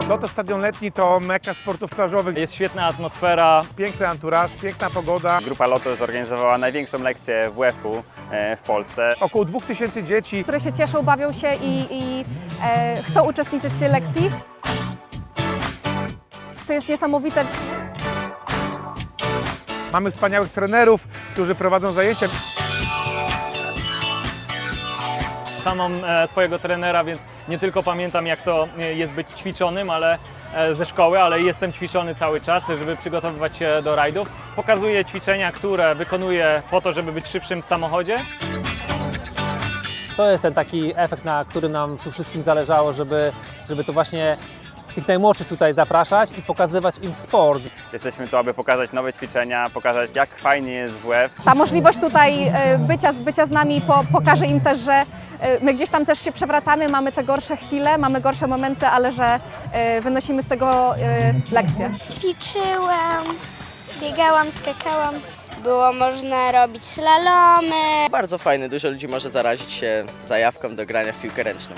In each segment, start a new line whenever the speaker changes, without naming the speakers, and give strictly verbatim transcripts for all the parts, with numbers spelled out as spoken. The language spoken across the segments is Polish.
Loto Stadion Letni to meka sportów plażowych.
Jest świetna atmosfera.
Piękny anturaż, piękna pogoda.
Grupa Loto zorganizowała największą lekcję W F-u w Polsce.
Około dwóch tysięcy dzieci.
które się cieszą, bawią się i, i e, chcą uczestniczyć w tej lekcji. To jest niesamowite.
Mamy wspaniałych trenerów, którzy prowadzą zajęcia.
Sam mam e, swojego trenera, więc nie tylko pamiętam, jak to e, jest być ćwiczonym, ale e, ze szkoły, ale jestem ćwiczony cały czas, żeby przygotowywać się do rajdów. Pokazuję ćwiczenia, które wykonuję po to, żeby być szybszym w samochodzie.
To jest ten taki efekt, na którym nam tu wszystkim zależało, żeby, żeby to właśnie tych najmłodszych tutaj zapraszać i pokazywać im sport.
Jesteśmy tu, aby pokazać nowe ćwiczenia, pokazać, jak fajnie jest W F.
Ta możliwość tutaj e, bycia, bycia z nami po, pokaże im też, że e, my gdzieś tam też się przewracamy, mamy te gorsze chwile, mamy gorsze momenty, ale że e, wynosimy z tego e, lekcje.
Ćwiczyłam, biegałam, skakałam. Było można robić slalomy.
Bardzo fajny, dużo ludzi może zarazić się zajawką do grania w piłkę ręczną.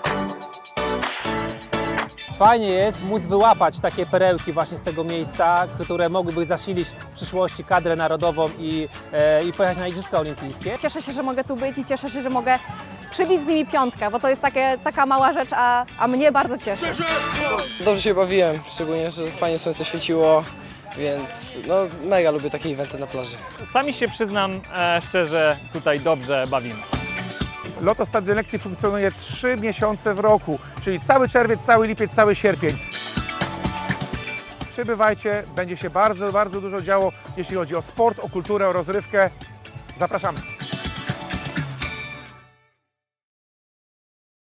Fajnie jest móc wyłapać takie perełki właśnie z tego miejsca, które mogłyby zasilić w przyszłości kadrę narodową i, e, i pojechać na Igrzyska Olimpijskie.
Cieszę się, że mogę tu być i cieszę się, że mogę przybić z nimi piątkę, bo to jest takie, taka mała rzecz, a, a mnie bardzo cieszy.
Dobrze się bawiłem, szczególnie, że fajnie słońce świeciło, więc no, mega lubię takie eventy na plaży.
Sami się przyznam e, szczerze, tutaj dobrze bawimy.
Loto Stadion Letni funkcjonuje trzy miesiące w roku, czyli cały czerwiec, cały lipiec, cały sierpień. Przybywajcie, będzie się bardzo, bardzo dużo działo, jeśli chodzi o sport, o kulturę, o rozrywkę. Zapraszamy.